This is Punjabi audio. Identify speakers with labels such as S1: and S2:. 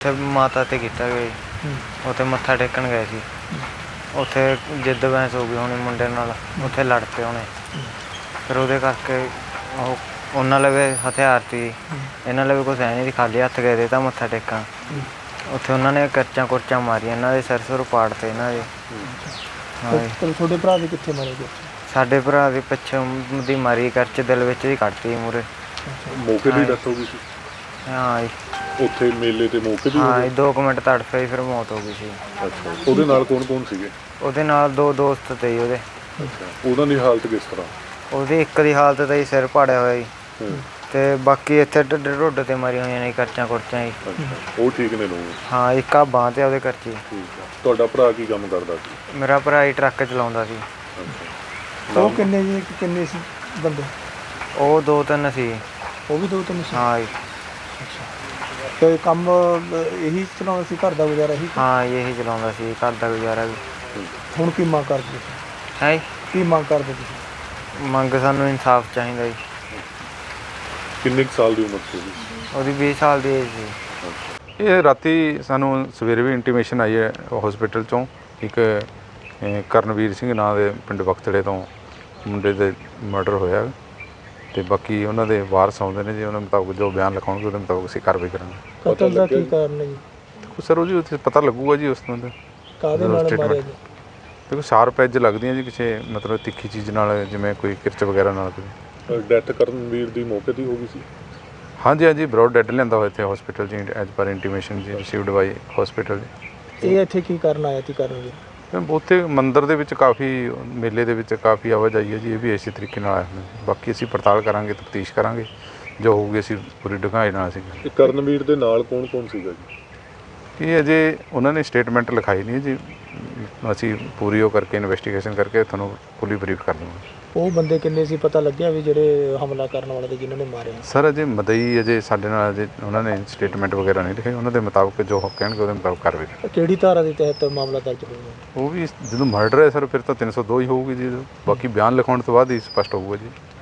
S1: ਉੱਥੇ ਮਾਤਾ 'ਤੇ ਕੀਤਾ ਗਿਆ ਜੀ। ਉੱਥੇ ਮੱਥਾ ਟੇਕਣ ਗਏ ਸੀ। ਉੱਥੇ ਜਿੱਦ ਬਹਿਸ ਹੋ ਗਈ ਹੋਣੀ ਮੁੰਡੇ ਨਾਲ, ਉੱਥੇ ਲੜ ਪਏ ਹੋਣੇ। ਫਿਰ ਉਹਦੇ ਕਰਕੇ ਉਹਨਾਂ ਲਵੇ ਹਥਿਆਰ ਸੀ, ਇਹਨਾਂ ਲਵੇ ਕੁਛ ਹੈ ਨਹੀਂ ਸੀ, ਖਾਲੀ ਹੱਥ ਗਏ ਦੇ ਤਾਂ ਮੱਥਾ ਟੇਕਣ। ਉੱਥੇ ਉਹਨਾਂ ਨੇ ਕਰਚਾਂ ਕੁਰਚਾਂ ਮਾਰੀਆਂ, ਇਹਨਾਂ ਦੇ ਸਿਰ ਸੁਰ ਪਾੜਤੇ ਇਹਨਾਂ ਦੇ।
S2: ਤੁਹਾਡੇ ਭਰਾ ਦੇ ਕਿੱਥੇ ਮਾਰੇ ਗਏ?
S1: ਸਾਡੇ ਭਰਾ ਦੀ ਪਿੱਛੋਂ ਦੀ ਮਾਰੀ, ਕਰਚ ਦਿਲ ਵਿੱਚ ਹੀ ਕੱਢਤੀ ਮੂਹਰੇ।
S3: ਮੌਕੇ 'ਤੇ ਹੀ ਡੈਥ ਹੋ ਗਈ ਸੀ?
S1: ਹਾਂ ਜੀ।
S3: ਉੱਥੇ ਮੇਲੇ 'ਤੇ ਮੌਕੇ 'ਤੇ?
S1: ਹਾਂ ਜੀ, 2 ਮਿੰਟ ਤੜਫੇ ਫਿਰ ਮੌਤ ਹੋ ਗਈ ਸੀ।
S3: ਅੱਛਾ, ਉਹਦੇ ਨਾਲ ਕੌਣ ਕੌਣ ਸੀਗੇ? ਉਹਦੇ
S1: ਨਾਲ 2 ਦੋਸਤ ਤੇ ਜੀ ਉਹਦੇ।
S3: ਉਹਨਾਂ ਦੀ ਹਾਲਤ ਕਿਸ ਤਰ੍ਹਾਂ?
S1: ਉਹਦੀ ਇੱਕ ਦੀ ਹਾਲਤ ਤਾਂ ਜੀ ਸਿਰ ਪਾੜਿਆ ਹੋਇਆ ਜੀ, ਤੇ ਬਾਕੀ ਇੱਥੇ ਢੁੱਡ 'ਤੇ ਮਾਰੀਆਂ ਹੋਈਆਂ ਨੇ ਕਰਚਾਂ ਕੁਰਚਾਂ ਜੀ।
S3: ਉਹ ਠੀਕ ਨੇ ਲੋਕ?
S1: ਹਾਂ, ਇੱਕ ਆ ਬਾਂਹ 'ਤੇ ਉਹਦੇ ਕਰਚੀ।
S3: ਤੁਹਾਡਾ ਭਰਾ ਕੀ ਕੰਮ ਕਰਦਾ ਸੀ?
S1: ਮੇਰਾ ਭਰਾ ਹੀ ਟਰੱਕ ਚਲਾਉਂਦਾ ਸੀ।
S2: ਉਹ ਕਿੰਨੇ ਸੀ ਬੰਦੇ?
S1: ਉਹ 2-3 ਸੀ।
S2: ਉਹ ਵੀ 2-3 ਸੀ?
S1: ਹਾਂ ਜੀ।
S2: ਅੱਛਾ, ਤੇ ਕੰਮ ਇਹੀ ਚਲਾਉਂਦਾ ਸੀ, ਘਰ ਦਾ ਗੁਜ਼ਾਰਾ ਇਹੀ?
S1: ਹਾਂ, ਇਹੀ ਚਲਾਉਂਦਾ ਸੀ, ਘਰ ਦਾ ਗੁਜ਼ਾਰਾ ਵੀ।
S2: ਹੁਣ ਕੀ ਮੰਗ ਕਰਦੇ ਤੁਸੀਂ?
S1: ਹੈ
S2: ਕੀ ਮੰਗ ਕਰਦੇ ਤੁਸੀਂ?
S1: ਮੰਗ ਸਾਨੂੰ ਇਨਸਾਫ ਚਾਹੀਦਾ ਜੀ।
S3: ਕਿੰਨੇ ਸਾਲ ਦੀ ਉਮਰ ਸੀ ਉਹਦੀ?
S1: ਉਹਦੀ 20 ਸਾਲ ਦੀ ਏਜ ਸੀ।
S4: ਇਹ ਰਾਤੀ ਸਾਨੂੰ ਸਵੇਰੇ ਵੀ ਇੰਟੀਮੇਸ਼ਨ ਆਈ ਹੈ ਹਸਪੀਟਲ 'ਚੋਂ, ਇੱਕ ਕਰਨਵੀਰ ਸਿੰਘ ਨਾਂ ਦੇ ਪਿੰਡ ਬਖਤੜੇ ਤੋਂ ਮੁੰਡੇ ਦੇ ਮਰਡਰ ਹੋਇਆ, ਅਤੇ ਬਾਕੀ ਉਹਨਾਂ ਦੇ ਵਾਰਸ ਆਉਂਦੇ ਨੇ ਜੀ, ਉਹਨਾਂ ਮੁਤਾਬਕ ਜੋ ਬਿਆਨ ਲਿਖਾਉਣਗੇ ਉਹਦੇ ਮੁਤਾਬਕ ਅਸੀਂ ਕਾਰਵਾਈ ਕਰਾਂਗੇ।
S2: ਕਤਲ ਦਾ ਕੀ ਕਾਰਨ ਹੈ ਜੀ?
S4: ਸਰ ਉਹ ਜੀ ਉੱਥੇ ਪਤਾ ਲੱਗੂਗਾ ਜੀ ਉਸ ਤੋਂ।
S2: ਕਾਹਦੇ ਨਾਲ ਮਾਰਿਆ ਜੀ?
S4: ਦੇਖੋ ਸ਼ਾਰਪ ਐਜ ਲੱਗਦੀਆਂ ਜੀ, ਕਿਸੇ ਮਤਲਬ ਤਿੱਖੀ ਚੀਜ਼ ਨਾਲ, ਜਿਵੇਂ ਕੋਈ ਕਿਰਚ ਵਗੈਰਾ ਨਾਲ।
S3: ਡੈਥ ਕਰਨਵੀਰ ਦੀ ਮੌਕੇ 'ਤੇ ਹੋ ਗਈ ਸੀ?
S4: ਹਾਂਜੀ ਹਾਂਜੀ, ਬਰੋਡ ਡੈਡ ਲਿਆਂਦਾ ਹੋਇਆ ਇੱਥੇ ਹਸਪੀਟਲ 'ਚ ਐਜ ਪਰ ਇੰਟੀਮੇਸ਼ਨ ਜੀ ਰਿਸੀਵਡ ਬਾਈ ਹਸਪੀਟਲ 'ਚ।
S2: ਇਹ ਇੱਥੇ ਕੀ ਕਰਨ ਆਇਆ ਸੀ ਕਰਨਵੀਰ?
S4: ਉੱਥੇ ਮੰਦਿਰ ਦੇ ਵਿੱਚ ਕਾਫੀ, ਮੇਲੇ ਦੇ ਵਿੱਚ ਕਾਫੀ ਆਵਾਜਾਈ ਹੈ ਜੀ, ਇਹ ਵੀ ਇਸੇ ਤਰੀਕੇ ਨਾਲ ਆਇਆ ਹੋਇਆ। ਬਾਕੀ ਅਸੀਂ ਪੜਤਾਲ ਕਰਾਂਗੇ, ਤਫਤੀਸ਼ ਕਰਾਂਗੇ, ਜੋ ਹੋਊਗੀ ਅਸੀਂ ਪੂਰੀ ਡੂੰਘਾਈ ਨਾਲ ਅਸੀਂ।
S3: ਕਰਨਵੀਰ ਦੇ ਨਾਲ ਕੌਣ ਕੌਣ ਸੀਗਾ ਜੀ?
S4: ਇਹ ਅਜੇ ਉਹਨਾਂ ਨੇ ਸਟੇਟਮੈਂਟ ਲਿਖਾਈ ਨਹੀਂ ਜੀ, ਅਸੀਂ ਪੂਰੀ ਉਹ ਕਰਕੇ ਇਨਵੈਸਟੀਗੇਸ਼ਨ ਕਰਕੇ ਤੁਹਾਨੂੰ ਫੁੱਲੀ ਬਰੀਫ ਕਰ ਦਵਾਂਗੇ।
S2: ਉਹ ਬੰਦੇ ਕਿੰਨੇ ਸੀ, ਪਤਾ ਲੱਗਿਆ ਵੀ ਜਿਹੜੇ ਹਮਲਾ ਕਰਨ ਵਾਲੇ ਤੇ ਜਿਨ੍ਹਾਂ ਨੇ ਮਾਰਿਆ?
S4: ਸਰ ਅਜੇ ਮਦਈ ਅਜੇ ਸਾਡੇ ਨਾਲ ਅਜੇ ਉਹਨਾਂ ਨੇ ਸਟੇਟਮੈਂਟ ਵਗੈਰਾ ਨਹੀਂ ਲਿਖੇ, ਉਹਨਾਂ ਦੇ ਮੁਤਾਬਕ ਜੋ ਕਹਿਣਗੇ ਉਹਦੇ ਮੁਤਾਬਕ ਕਾਰਵਾਈ।
S2: ਕਿਹੜੀ ਧਾਰਾ ਦੇ ਤਹਿਤ ਮਾਮਲਾ ਦਰਜ ਹੋਇਆ?
S4: ਉਹ ਵੀ ਜਦੋਂ ਮਰਡਰ ਹੈ ਸਰ, ਫਿਰ ਤਾਂ 302 ਹੀ ਹੋਊਗੀ ਜੀ, ਬਾਕੀ ਬਿਆਨ ਲਿਖਾਉਣ ਤੋਂ ਬਾਅਦ ਹੀ ਸਪਸ਼ਟ ਹੋਊਗਾ ਜੀ।